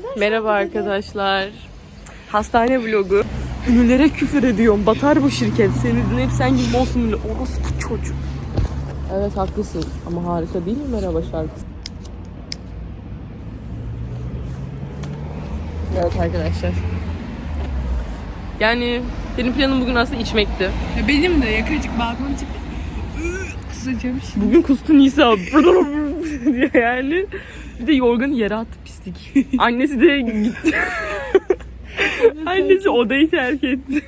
Merhaba arkadaşlar. Hastane vlogu. Ünlülere küfür ediyorum. Batar bu şirket. Seni dinleyip sen gibi olsun ünlü. Orası bu çocuk. Evet haklısın. Ama harika değil mi merhaba şarkısı? Evet arkadaşlar. Yani benim planım bugün aslında içmekti. Ya benim de yakacık balkona çıkıp kusacağım şimdi. Bugün kustu Nisa. diye yani. Bir de yorganı yere attı pislik. Annesi de gitti. Annesi odayı terk etti.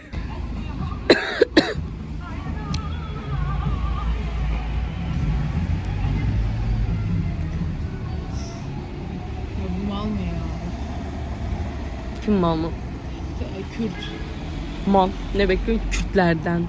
Bu mal mı ya? Kim mal mı? Kürt. Mal. Ne bekliyor? Kürtlerden.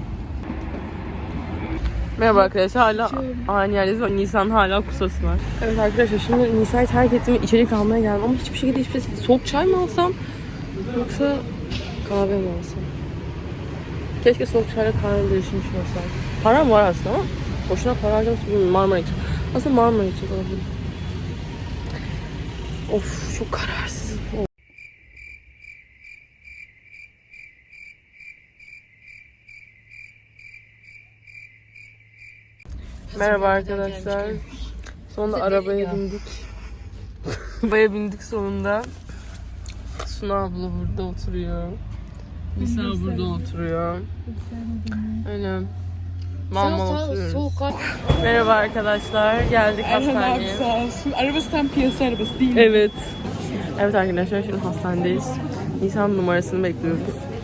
Merhaba arkadaşlar. Hala aynı yerdeyiz ve Nisan hala kusası var. Evet arkadaşlar şimdi Nisa'yı terk ettim ve içerik almaya geldim ama hiçbir şekilde soğuk çay mı alsam yoksa kahve mi alsam? Keşke soğuk çayla kahve değişmiş olsaydı. Param var aslında ama boşuna para harcamışım Marmara için. Aslında Marmara için olabilir. Of çok kararsız. Merhaba arkadaşlar. Sonunda arabaya bindik. Arabaya bindik sonunda. Suna abla burada oturuyor. Nisa burada oturuyor. Öyle. Mama oturuyoruz. Merhaba arkadaşlar. Geldik hastaneye. Sağ olsun. Arabası tam piyasa arabası değil mi? Evet. Evet arkadaşlar şimdi hastanedeyiz. Nisan numarasını bekliyoruz.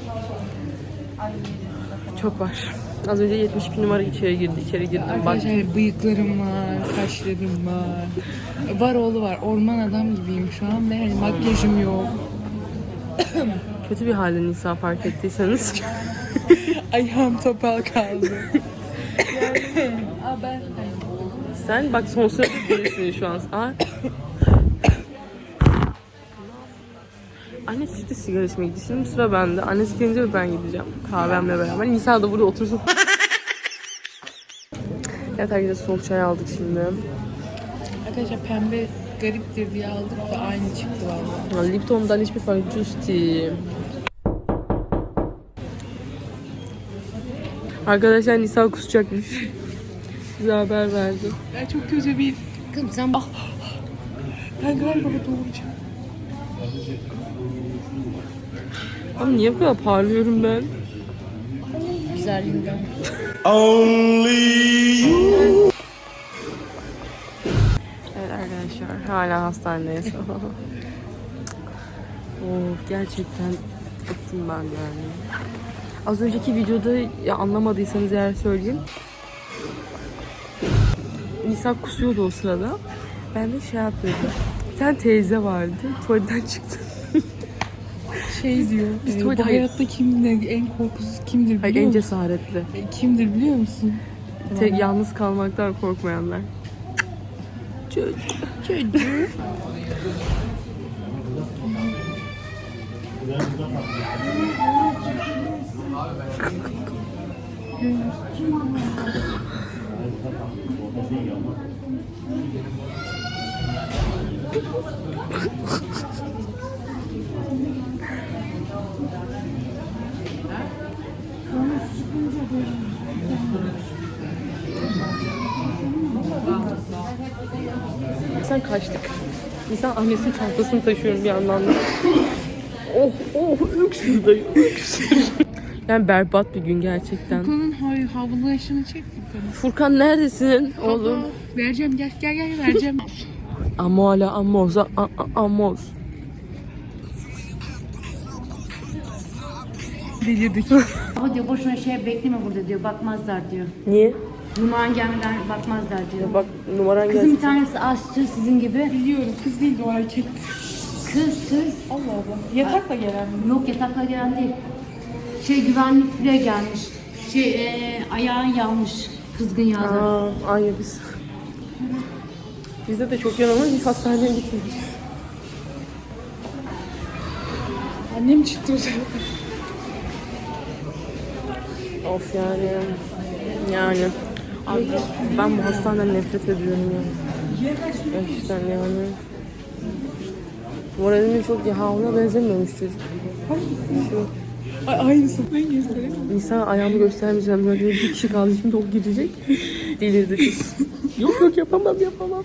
Çok var. Az önce 72 numara içeri girdim. Arkadaşlar bıyıklarım var, kaşlarım var. Var oğlu var. Orman adam gibiyim şu an ve hani makyajım yok. Kötü bir halde Nisa fark ettiyseniz. Ayağım topal kaldı. Ben Sen bak son sırada birisin şu an. Annesi de sigara içmeye gitti. Şimdi sıra bende. Annesi gelince ben gideceğim. Kahvemle beraber. Nisa da burada otursun. Evet arkadaşlar soğuk çay aldık şimdi. arkadaşlar pembe gariptir diye aldık da aynı çıktı vallahi. Lipton'dan hiçbir fark yok. Justi. Arkadaşlar Nisa kusacakmış. Bize haber verdi. Ben çok kötü bir... Kızım sen bak. Ben galiba doğuracağım. Ama niye bu kadar parlıyorum ben? Güzelliğinden. Evet arkadaşlar hala hastanedeyiz. Of gerçekten bıktım ben yani. Az önceki videoda ya anlamadıysanız eğer söyleyeyim. Nisa kusuyordu o sırada. Ben de şey yapıyordum. Bir tane teyze vardı. Tuvaletten çıktı. Şey diyor. Bu hayatta kimdir en korkusuz kimdir biliyor Hayır, musun? en cesaretli. Kimdir biliyor musun? Yalnız kalmaktan korkmayanlar. Çocuk. Sen kaçtık. İnsan annesinin çantasını taşıyorum bir yandan da. Öksür dayı, öksür. Yani berbat bir gün gerçekten. Furkan'ın havlulaşını çek Furkan'ın. Furkan neredesin oğlum? Vereceğim gel vereceğim. Amola amoza amos. Delirdik. Ama diyor boşuna şey bekleme burada diyor, bakmazlar diyor. Niye? Numaran gelmeden bakmazlar diyor. Bak numaran Kızın gelsin. bir tanesi aşçı sizin gibi. Biliyorum kız değil de o erkek. Kız. Allah Allah. Yatakla gelen mi? Yok yatakla gelen değil. Güvenlikle gelmiş. Ayağın yanmış. Kızgın yağda. Aynı biz. Bizde de çok yan ama hiç hastaneye gitmedik. Annem çıktı o zaman. Of yani. Abi, ben bu hastaneden nefret ediyorum ya. Gerçekten yani. Moralini çok iyi. Ha ona benzemiyormuş çocuk. Ay, aynısı. Ben göstereyim. Nisan ayağımı göstermeyeceğim. Böyle bir kişi kaldı. Şimdi o gidecek. Delirdi kız. Yok yapamam. Yok yapamam.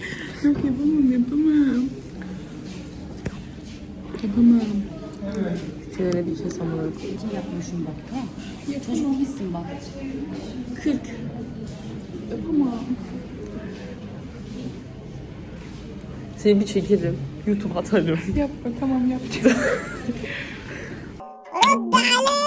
Çenene bir kes amına koyayım. Yapmışım bak tamam. Çocuk gibisin bak. 40. Yapamam. Seni bir çekerim. YouTube'a atarım. Yapma tamam yapacağım.